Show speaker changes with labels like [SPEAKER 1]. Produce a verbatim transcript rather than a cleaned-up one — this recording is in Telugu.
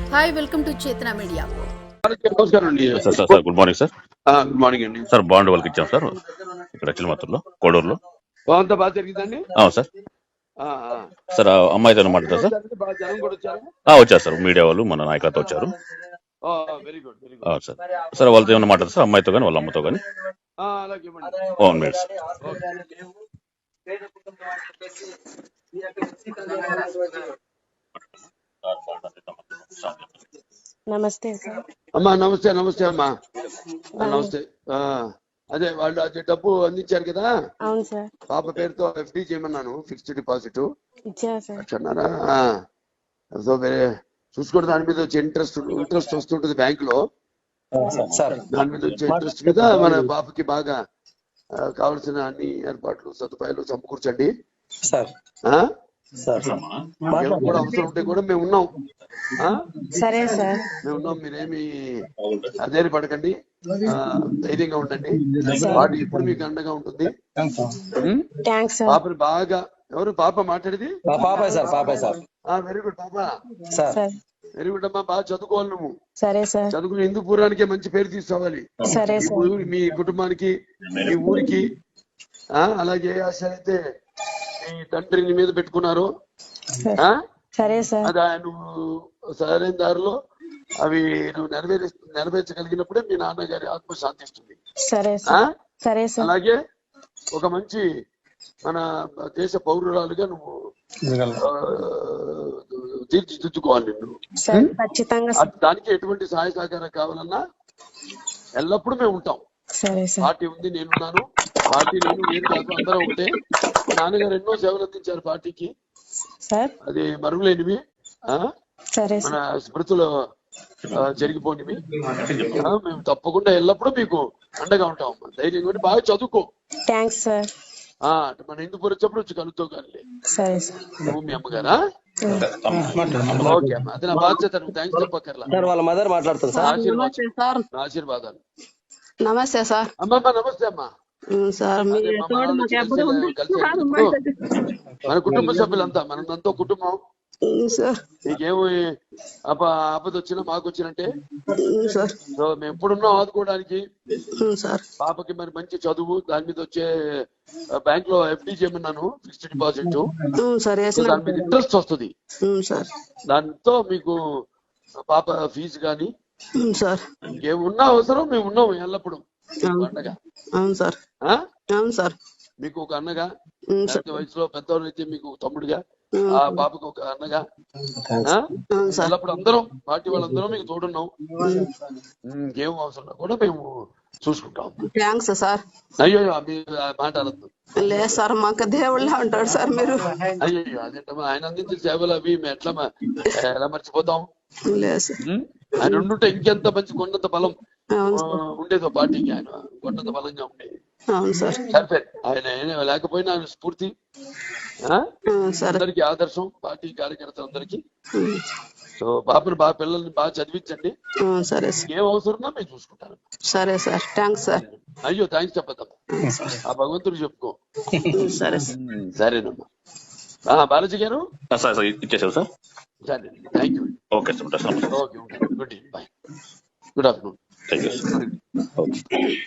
[SPEAKER 1] Hi, welcome to Chetana media.
[SPEAKER 2] నమస్కారం అండి
[SPEAKER 3] sir sir sir good morning sir.
[SPEAKER 2] Good morning అండి
[SPEAKER 3] సార్ బాండ్ వాళ్ళకి ఇచ్చాం సార్ ఇక్కడ చిలమత్తూరులో కోడూరులో.
[SPEAKER 2] అంతా బాగా జరిగిందండి.
[SPEAKER 3] అవును సార్.
[SPEAKER 2] ఆ, ఆ.
[SPEAKER 3] సార్ ఆ అమ్మాయితో మాట్లాడతారు సార్.
[SPEAKER 2] బాగా జనం కూడా వచ్చారు.
[SPEAKER 3] ఆ, వచ్చారు సార్, మీడియా వాళ్ళు మన నాయకులతో వచ్చారు.
[SPEAKER 2] Very good very good.
[SPEAKER 3] అవును సార్. సార్ వాళ్ళతో ఏమైనా మాట్లాడతారు సార్, అమ్మాయితో కానీ వాళ్ళ అమ్మతో కానీ.
[SPEAKER 2] అలాగే ఇవ్వండి.
[SPEAKER 3] అవును మేడం సార్.
[SPEAKER 4] నమస్తే సార్.
[SPEAKER 2] అమ్మా నమస్తే నమస్తే అమ్మా నమస్తే. ఆ, అదే వాళ్ళు అదే డబ్బు అందించారు కదా.
[SPEAKER 4] అవును సార్.
[SPEAKER 2] పాప పేరుతో ఎఫ్డి చేయమన్నాను, ఫిక్స్డ్ డిపాజిట్
[SPEAKER 4] ఇచ్చారు సార్.
[SPEAKER 2] అన్నారా? సో వేరే చూసుకోండి, దాని మీద వచ్చే ఇంట్రెస్ట్ ఇంట్రెస్ట్ వస్తుంటది బ్యాంక్ లో. దాని మీద వచ్చే ఇంట్రెస్ట్ మీద మన పాపకి బాగా కావాల్సిన అన్ని ఏర్పాట్లు సదుపాయాలు సమకూర్చండి. ఎవరు కూడా అవసరం ఉంటే కూడా మేము ఉన్నాం.
[SPEAKER 4] సరే సార్.
[SPEAKER 2] మేము ఉన్నాం, మీరేమి అధైర్య పడకండి, ధైర్యంగా ఉండండి. వాటి ఇప్పుడు మీకు అండగా ఉంటుంది. పాపని బాగా, ఎవరు పాప మాట్లాడేది? వెరీ గుడ్ పాప, వెరీ గుడ్ అమ్మా. బాగా చదువుకోవాలి నువ్వు.
[SPEAKER 4] సరే సార్.
[SPEAKER 2] చదువుకుని హిందూపురానికే మంచి పేరు తీసుకోవాలి.
[SPEAKER 4] సరే సార్.
[SPEAKER 2] మీ కుటుంబానికి, మీ ఊరికి. అలాగే ఆశ అయితే మీ తండ్రిని మీద పెట్టుకున్నారు.
[SPEAKER 4] సరే సార్.
[SPEAKER 2] అది నువ్వు సరైన దారిలో అవి నువ్వు నెరవేర్ నెరవేర్చగలిగినప్పుడే మీ నాన్నగారి ఆత్మ శాంతిస్తుంది.
[SPEAKER 4] సరే సార్. సరే సార్.
[SPEAKER 2] అలాగే ఒక మంచి మన దేశ పౌరురాలుగా నువ్వు తీర్చిదిద్దుకోవాలి నువ్వు.
[SPEAKER 4] ఖచ్చితంగా.
[SPEAKER 2] దానికి ఎటువంటి సహాయ సహకారం కావాలన్నా ఎల్లప్పుడూ మేము ఉంటాం. పార్టీ ఉంది, నేనున్నాను. పార్టీ నేను నేను కాదు, అందరూ ఒకటే. నాన్నగారు ఎన్నో సేవలు అందించారు పార్టీకి, అది మరువులేనివి, మన స్మృతులు జరిగిపోనివి. మేము తప్పకుండా ఎల్లప్పుడూ మీకు అండగా ఉంటాం. ధైర్యం కూడా బాగా చదువుకో.
[SPEAKER 4] Thanks sir.
[SPEAKER 2] మన హిందూపూర్ వచ్చేప్పుడు వచ్చి కలుగుతావు కానీ. నువ్వు మీ అమ్మగారా? ఓకే అమ్మా, అది నా బాధ్యత. నువ్వు థ్యాంక్స్ చెప్పక్కర్లా.
[SPEAKER 5] వాళ్ళ మదర్ మాట్లాడుతున్నారు.
[SPEAKER 2] ఆశీర్వాదాలు.
[SPEAKER 4] నమస్తే సార్.
[SPEAKER 2] అమ్మమ్మ నమస్తే అమ్మా. మన కుటుంబ సభ్యులంతా, మనంతా కుటుంబం. నీకేమో అప ఆపద వచ్చినా మాకు వచ్చినట్టే. సో మేము ఎప్పుడున్నాం ఆదుకోవడానికి. పాపకి మరి మంచి చదువు, దాని మీద వచ్చే బ్యాంక్ లో ఎఫ్డి చేయమన్నాను, ఫిక్స్డ్ డిపాజిట్. దాని మీద ఇంట్రెస్ట్ వస్తుంది. దాంతో మీకు పాప ఫీజు కానీ ఇంకేమున్నా అవసరం మేము ఉన్నాము ఎల్లప్పుడు అండగా.
[SPEAKER 4] అవును సార్. అవును సార్.
[SPEAKER 2] మీకు ఒక అన్నగా, వయసులో పెద్దవాళ్ళు అయితే మీకు తమ్ముడుగా, ఆ పాపకు ఒక అన్నగా ఎల్లప్పుడు అందరం పార్టీ వాళ్ళందరం మీకు తోడున్నాం. ఇంకేం అవసరం కూడా మేము చూసుకుంటాం.
[SPEAKER 4] Thanks sir.
[SPEAKER 2] అయ్యో మీరు మాట్లాడద్దు.
[SPEAKER 4] లేదు సార్, మాకు దేవుళ్ళ ఉంటాడు సార్ మీరు.
[SPEAKER 2] అయ్యో అదేంటమ్మా, ఆయన అందించిన సేవలు అవి మేము ఎట్లా ఎలా మర్చిపోతాం? ఆయన ఉండుంటే ఇంకెంత మంచి కొండంత బలం ఉండేదో పార్టీకి. ఆయన కొండంత బలంగా ఉండేది. సరిపోయి ఆయన లేకపోయినా ఆయన స్ఫూర్తి అందరికి ఆదర్శం, పార్టీ కార్యకర్తలందరికీ. సో పాపను బాగా, పిల్లల్ని బాగా చదివించండి. ఏం అవసరమో మేము చూసుకుంటాను.
[SPEAKER 4] సరే సార్. Thanks sir.
[SPEAKER 2] అయ్యో థ్యాంక్స్ చెప్పద్దమ్మా, ఆ భగవంతుడు చెప్పుకో.
[SPEAKER 4] సరే
[SPEAKER 2] సరేనమ్మా. బాలాజీ గారు
[SPEAKER 3] ఇచ్చేసావు సార్.
[SPEAKER 2] సరే, thank you.
[SPEAKER 3] Okay sir.
[SPEAKER 2] Okay, good evening, bye, good afternoon.
[SPEAKER 3] Thank you.